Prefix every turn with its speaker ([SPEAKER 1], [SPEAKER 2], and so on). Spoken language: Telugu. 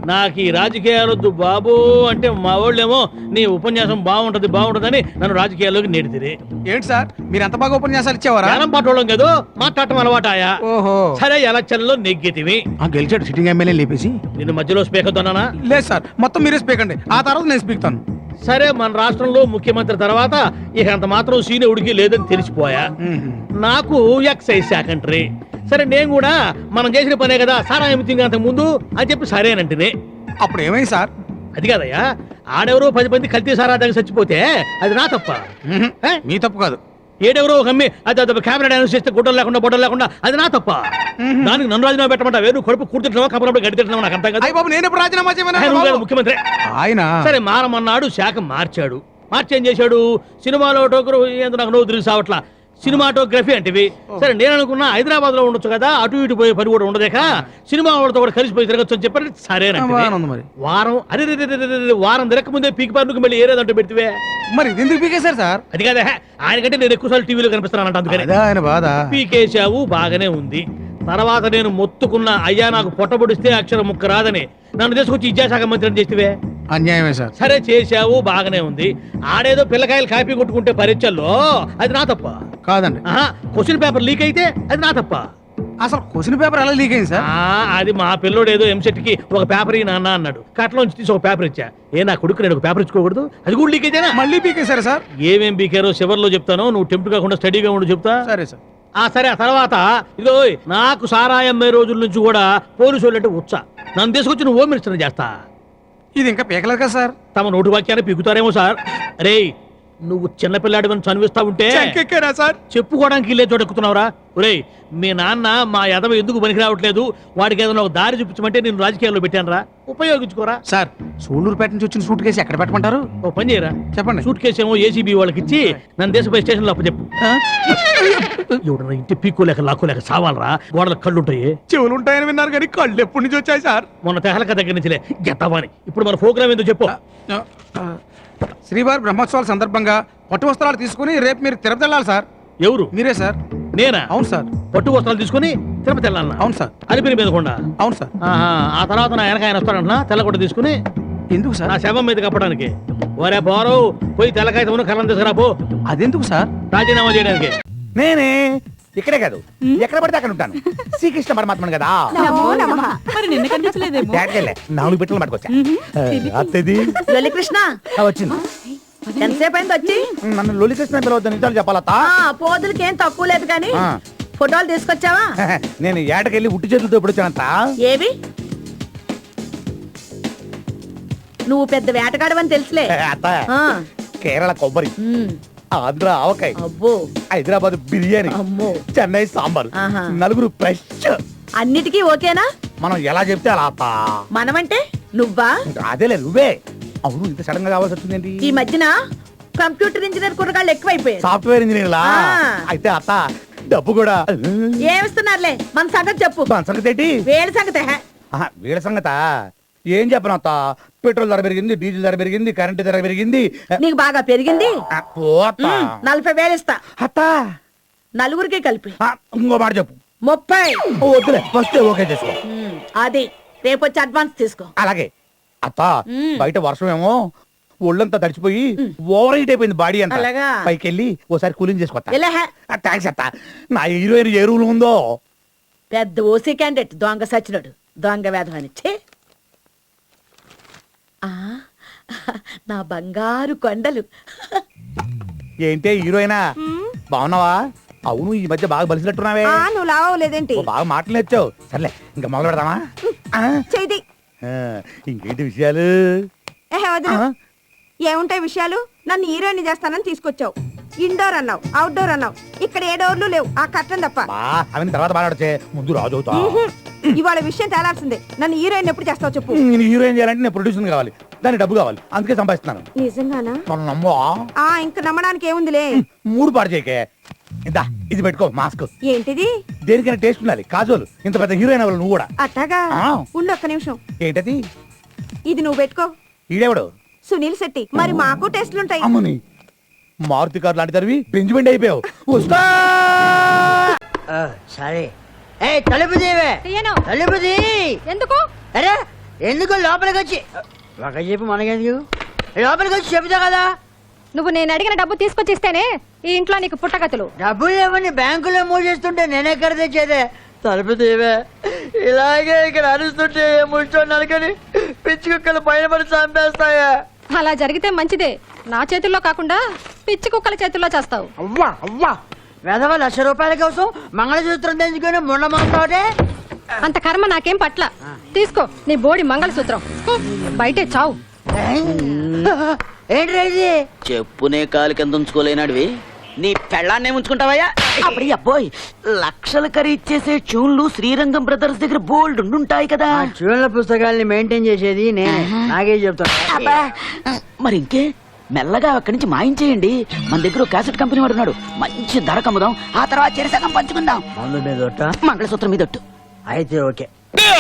[SPEAKER 1] నాకు ఈ రాజకీయాలొద్దు బాబు అంటే మా వాళ్ళేమో నీ ఉపన్యాసం బాగుంటదని నన్ను రాజకీయాల్లోకి నెడితిరి.
[SPEAKER 2] ఏంటి సార్ మీరు ఎంత బాగా ఉపన్యాసాలు ఇచ్చేవారా?
[SPEAKER 1] జ్ఞానం పాటోళ్ళం కదా, మాట్లాడటం అలవాటాయా.
[SPEAKER 2] ఓహో
[SPEAKER 1] సరే ఎలక్షన్ లో నెగ్గితివి,
[SPEAKER 2] గెలిచాడు సిట్టింగ్ ఎమ్మెల్యే లేపేసి.
[SPEAKER 1] నిన్ను మధ్యలో స్పీకర్ తోనా?
[SPEAKER 2] లేదు సార్, మొత్తం మీరే స్పీక్ అండి, ఆ తర్వాత నేను స్పీక్తాను.
[SPEAKER 1] సరే మన రాష్ట్రంలో ముఖ్యమంత్రి తర్వాత ఇక అంత మాత్రం సీనియరుడికి లేదని తెలిసిపోయా. నాకు ఎక్సైజ్ సెకంటరీ. సరే నేను కూడా మనం చేసిన పనే కదా సారా ఎమితింగ్ అంత ముందు అని చెప్పి సరేనంటేనే.
[SPEAKER 2] అప్పుడు ఏమైంది సార్?
[SPEAKER 1] అది కాదయ్యా, ఆడెవరో 10 మంది కల్తీ సారా దగ్గర చచ్చిపోతే అది నా తప్ప.
[SPEAKER 2] మీ తప్పు కాదు.
[SPEAKER 1] ఏడెవరో ఒక అమ్మి అది కెమెరా డాన్స్ చేస్తే గుడ్డలు లేకుండా బొడ్డలు లేకుండా అది నా తప్ప. దానికి నన్ను రాజీనామా పెట్టమంటా? వేరు కడుపు కూర్చుంటున్నావా కబురప్పుడు గడి తింటున్నావా? నాకు అర్థం కదా.
[SPEAKER 2] బాబు నేను ఎప్పుడు రాజీనామా చేయమన్నా?
[SPEAKER 1] ముఖ్యమంత్రి
[SPEAKER 2] ఆయన
[SPEAKER 1] సరే మారమన్నాడు, శాఖ మార్చాడు. మార్చి ఏం చేశాడు? సినిమాలో ఏందో నాకు నవ్వు తిరిగి సావట్లా సినిమాటోగ్రఫీ అంటేవి. సరే నేను అనుకున్నా హైదరాబాద్ లో ఉండొచ్చు కదా, అటు ఇటు పోయే పని కూడా ఉండదేక సినిమా వాళ్ళతో కూడా కలిసిపోయి తిరగచ్చు అని చెప్పారు. సరేనండి వారం వారం తిరగక ముందే పీకి పనుకు మళ్ళీ ఏరేదంటూ పెడితే
[SPEAKER 2] మరి ఎందుకు పీకేశారు సార్?
[SPEAKER 1] అది కాదా, ఆయనకంటే నేను ఎక్కువసార్లు టీవీలో కనిపిస్తానంట, అందుకని
[SPEAKER 2] ఆయన బాధ.
[SPEAKER 1] పీకేశావు బాగానే ఉంది. తర్వాత నేను మొత్తుకున్నా, అయ్యా నాకు పొట్టబొడిస్తే అక్షరం ముక్క రాదని, నన్ను తీసుకొచ్చి విద్యాశాఖ మంత్రిని చేస్తే
[SPEAKER 2] అన్యాయమే సార్.
[SPEAKER 1] సరే చేశావు బాగానే ఉంది. ఆడేదో పిల్లకాయలు కాపీ కొట్టుకుంటే పరీక్షల్లో అది నా తప్ప
[SPEAKER 2] కాదండి.
[SPEAKER 1] క్వశ్చన్ పేపర్ లీక్ అయితే అది నా తప్ప.
[SPEAKER 2] అసలు క్వశ్చన్ పేపర్ ఎలా లీక్ అయింది సార్?
[SPEAKER 1] అది మా పిల్లోడు ఏదో ఎంసెట్ కి ఒక పేపర్ నాన్న అన్నాడు, కట్లోంచి తీసి ఒక పేపర్ ఇచ్చా. నా కొడుకు నేను ఒక పేపర్ ఇచ్చుకోకూడదు, అది కూడా లీక్ అయితేనా?
[SPEAKER 2] మళ్ళీ పీకేశారు సార్?
[SPEAKER 1] ఏమేం పీకారో చివర్లో చెప్తాను, నువ్వు టెంప్ట్ కాకుండా స్టడీగా ఉండు చెప్తా.
[SPEAKER 2] సరే సార్.
[SPEAKER 1] సరే ఆ తర్వాత ఇదో నాకు సారాయి అమ్మే రోజుల నుంచి కూడా పోలీసు వాళ్ళు అంటే వచ్చా, నన్ను తీసుకొచ్చి నువ్వు హోమ్ మినిస్టర్ చేస్తా.
[SPEAKER 2] ఇది ఇంకా పీకలేదు కదా సార్?
[SPEAKER 1] తమ నోటు వాక్యాన్ని పీకుతారేమో సార్. అరే నువ్వు చిన్నపిల్లాడివని చనివిస్తా ఉంటే
[SPEAKER 2] సార్
[SPEAKER 1] చెప్పుకోవడానికి ఇల్లే చోటెక్కుతున్నావురా. ఒరేయ్ మీ నాన్న మా యదవ ఎందుకు పనికి రావట్లేదు, వాడికి ఏదైనా ఒక దారి చూపించమంటే నేను రాజకీయాల్లో పెట్టానురా, ఉపయోగించుకోరా.
[SPEAKER 2] సార్ సూళ్ళూరుపేట నుంచి వచ్చిన సూట్ కేసు ఎక్కడ పెట్టమంటారు?
[SPEAKER 1] ఓ పని చేయరా,
[SPEAKER 2] చెప్పండి.
[SPEAKER 1] సూట్ కేసు ఏమో ఏసీబీ వాళ్ళకి ఇచ్చి నన్ను దేశపై స్టేషన్ లో అప్పచెప్పు. ఎవడన్నా ఇంటి పీక్కోలేక లాక్కోలేక సావాలరా, గోడలకు కళ్ళు ఉంటాయి.
[SPEAKER 2] చెవులు ఉంటాయని విన్నారు కానీ కళ్ళు ఎప్పటి నుంచి వచ్చాయి సార్?
[SPEAKER 1] మొన్న తెహలక దగ్గర నుంచిలే గెత్తవాని. ఇప్పుడు మన ప్రోగ్రామ్ ఎందుకు చెప్పు.
[SPEAKER 2] శ్రీవారి బ్రహ్మోత్సవాల సందర్భంగా పట్టు వస్త్రాలు తీసుకుని రేపు మీరు తిరుపతి వెళ్ళాలి సార్.
[SPEAKER 1] ఎవరు?
[SPEAKER 2] మీరే సార్.
[SPEAKER 1] నేనా?
[SPEAKER 2] అవును సార్.
[SPEAKER 1] పట్టు వస్త్రాలు తీసుకుని తిరుపతి వెళ్ళాలన్నా?
[SPEAKER 2] అవును సార్.
[SPEAKER 1] అలిపిరి మీద కొండ?
[SPEAKER 2] అవును సార్.
[SPEAKER 1] ఆ తర్వాత నా వెనక ఆయన వస్తాడంటున్నా, తెల్లగొట్ట తీసుకుని.
[SPEAKER 2] ఎందుకు సార్?
[SPEAKER 1] నా శవం మీద కప్పడానికి. ఒరే పోరు పోయి తెల్లకాయ కళ్ళం తీసుకురా పో.
[SPEAKER 2] అదెందుకు సార్?
[SPEAKER 1] రాజీనామా చేయడానికి.
[SPEAKER 3] నేనే ఇక్కడే కాదు ఎక్కడ పడితే అక్కడ ఉంటాను. శ్రీకృష్ణ పరమాత్మను కదా.
[SPEAKER 4] మరి నిన్న కనిపించలేదేమో.
[SPEAKER 3] నాలుగు బిట్టలు పట్టుకొచ్చా. అత్తది
[SPEAKER 4] కృష్ణ
[SPEAKER 3] వచ్చింది.
[SPEAKER 4] ఎంతసేపు అయింది వచ్చి?
[SPEAKER 3] నన్ను లొలికృష్ణ పిలవద్దు, నిజాలు చెప్పాలత్త.
[SPEAKER 4] పోదులకేం తక్కువ లేదు కానీ ఫోటోలు తీసుకొచ్చావా?
[SPEAKER 3] నేను ఏటకెళ్ళి ఉట్టి చేతులతో ఇప్పుడు వచ్చానంత.
[SPEAKER 4] ఏవి? నువ్వు పెద్ద వేటగాడవని తెలుసులే.
[SPEAKER 3] అత్త కేరళ కొబ్బరి, ఆంధ్ర ఆవకాయ,
[SPEAKER 4] అబ్బో
[SPEAKER 3] హైదరాబాద్ బిర్యానీ,
[SPEAKER 4] అమ్మో
[SPEAKER 3] చెన్నై సాంబార్,
[SPEAKER 4] ఆహా.
[SPEAKER 3] నలుగురు ఫ్రెష్.
[SPEAKER 4] అన్నిటికీ ఓకేనా?
[SPEAKER 3] మనం ఎలా చెప్తే అలా అత్త.
[SPEAKER 4] మనమంటే నువ్వా?
[SPEAKER 3] అదేలే నువ్వే. అవును ఇంత సడన్ గా కావాల్సి వచ్చిందేంటి?
[SPEAKER 4] ఈ మధ్యన కంప్యూటర్ ఇంజనీర్ కుర్రగాళ్ళు ఎక్కువైపోయారు.
[SPEAKER 3] సాఫ్ట్వేర్ ఇంజనీర్లా? అయితే అత్త డబ్బు కూడా
[SPEAKER 4] ఏమిస్తున్నారులే, మన సంగతి చెప్పు.
[SPEAKER 3] మన సంగతి ఏంటి?
[SPEAKER 4] వేడి సంగతి.
[SPEAKER 3] వీళ్ళ సంగత ఏం చెప్పను అత్త. పెట్రోల్ ధర పెరిగింది, డీజిల్ ధర పెరిగింది, కరెంట్ ధర పెరిగింది.
[SPEAKER 4] నీకు బాగా పెరిగింది. 40,000 ఇస్తా
[SPEAKER 3] అత్త.
[SPEAKER 4] నలుగురికి కలిపి.
[SPEAKER 3] ఇంకో మాట చెప్పు.
[SPEAKER 4] 30.
[SPEAKER 3] వద్దులే, ఫస్ట్ ఓకే చేసుకో.
[SPEAKER 4] అది రేపు వచ్చి అడ్వాన్స్ తీసుకో.
[SPEAKER 3] అలాగే అత్త. బయట వర్షం ఏమో ఒళ్ళంతా తడిచిపోయి ఓవర్ హీట్ అయిపోయింది బాడీ అంతా.
[SPEAKER 4] అలాగా?
[SPEAKER 3] పైకి వెళ్ళి ఓసారి కూలింగ్ చేసుకోవచ్చా?
[SPEAKER 4] ఎలాహ?
[SPEAKER 3] థ్యాంక్స్ అత్త. నా హీరోయిన్ ఏ రూల్ ఉందో.
[SPEAKER 4] పెద్ద ఓసీ క్యాండిడేట్ దొంగ సచ్చినోడు, దొంగ వేధమని. నా బంగారు కొండలు.
[SPEAKER 3] ఏంటే హీరోయినా బాగున్నావా? అవును ఈ మధ్య బాగా బలిసినట్టున్నావే.
[SPEAKER 4] నువ్వు లావలేదేంటి?
[SPEAKER 3] బాగా మాటలు నేర్చావు. సర్లే ఇంకా మొదలు పెడదామా?
[SPEAKER 4] చేయి.
[SPEAKER 3] ఇంకేంటి విషయాలు?
[SPEAKER 4] ఏముంటాయి విషయాలు? నన్ను హీరోయిన్ చేస్తానని తీసుకొచ్చావు. ఇండోర్ అన్నావు, అవుట్డోర్ అన్నావు. ఇక్కడ ఏ డోర్లు లేవు, ఆ కట్టం తప్ప.
[SPEAKER 3] అవన్నీ తర్వాత మాట్లాడచ్చే, ముందు రాజు అవుతా.
[SPEAKER 4] ఇవాళ విషయం తేలాల్సిందే. నన్ను హీరోయిన్ ఎప్పుడు చేస్తావు చెప్పు.
[SPEAKER 3] నేను హీరోయిన్ చేయాలంటే నేను ప్రొడ్యూసర్ కావాలి, దానికి డబ్బు కావాలి, అందుకే సంపాదిస్తున్నాను.
[SPEAKER 4] నిజంగానా?
[SPEAKER 3] నమ్మో.
[SPEAKER 4] ఇంకా నమ్మడానికి ఏముందిలే.
[SPEAKER 3] మూడు పాడు చేయకే. ఇందా ఇది పెట్టుకో మాస్క్.
[SPEAKER 4] ఏంటిది?
[SPEAKER 3] దేనికైనా టేస్ట్ ఉండాలి. కాజోలు ఇంత పెద్ద హీరోయిన్ అవ్వాలి నువ్వు కూడా.
[SPEAKER 4] అట్టాగా? ఉండు ఒక్క నిమిషం.
[SPEAKER 3] ఏంటది?
[SPEAKER 4] ఇది నువ్వు పెట్టుకో.
[SPEAKER 3] ఈడెవడు?
[SPEAKER 4] సునీల్ శెట్టి. మరి మాకు టెస్ట్లుంటాయి.
[SPEAKER 3] అమ్మని మారుతి కారు లాంటి తరివి బెంజ్మెంట్ అయిపోయావు. వస్తా.
[SPEAKER 5] సరే తలుపు తీవే. తలుపు తీ.
[SPEAKER 6] ఎందుకు?
[SPEAKER 5] అరే ఎందుకు లోపలికి వచ్చి ఒక చెప్పు మనకెందుకు లోపలికి వచ్చి చెబుతా కదా.
[SPEAKER 6] నువ్వు నేను అడిగిన డబ్బు తీసుకొచ్చిస్తేనే ఈ ఇంట్లో నీకు పుట్టగతులు.
[SPEAKER 5] డబ్బులు ఏమని బ్యాంకులో మూసేస్తుంటే నేనెక్కడ తెచ్చేదే. తలుపు తీవే. ఇలాగే ఇక్కడ అరుస్తుంటే ముచ్చో నరకని పిచ్చి కుక్కలు పైన పడి చంపేస్తాయా.
[SPEAKER 6] అలా జరిగితే మంచిదే. నా చేతుల్లో కాకుండా పిచ్చి కుక్కల చేతుల్లో చేస్తావు.
[SPEAKER 5] అవ్వా అవ్వా వెధవ ₹1,00,000 కోసం మంగళసూత్రం తెంచుకొని ముండమంటావటే.
[SPEAKER 6] అంత కర్మ నాకేం పట్ల. తీసుకో నీ బోడి మంగళసూత్రం. బయటే చావు.
[SPEAKER 5] ఏంటి ఇది?
[SPEAKER 7] చెప్పునే కాలు కింద ఉంచుకోలేనాడివి నీ పెళ్ళాన్నే ఉంచుకుంటావయ్యా. అప్పుడు అబ్బోయ్ లక్షలు ఖరీచేసే ట్యూన్లు శ్రీరంగం బ్రదర్స్ దగ్గర బోల్డ్ ఉంటాయి కదా.
[SPEAKER 5] ఆ చూడల పుస్తకాల్ని మెయింటైన్ చేసేది నేను. నాకే చెప్తాను.
[SPEAKER 7] అబ్బా, మరి ఇంకే మెల్లగా అక్కడి నుంచి మాయించేయండి. మన దగ్గర ఒక క్యాసెట్ కంపెనీ వాడు ఉన్నాడు. మంచి ధర కమ్ముదాం. ఆ తర్వాత చెరసగం పంచుకుందాం.
[SPEAKER 5] మందు మీద ఒట్ట?
[SPEAKER 7] మంగళసూత్రం మీద ఒట్టు.
[SPEAKER 5] అయితే ఓకే.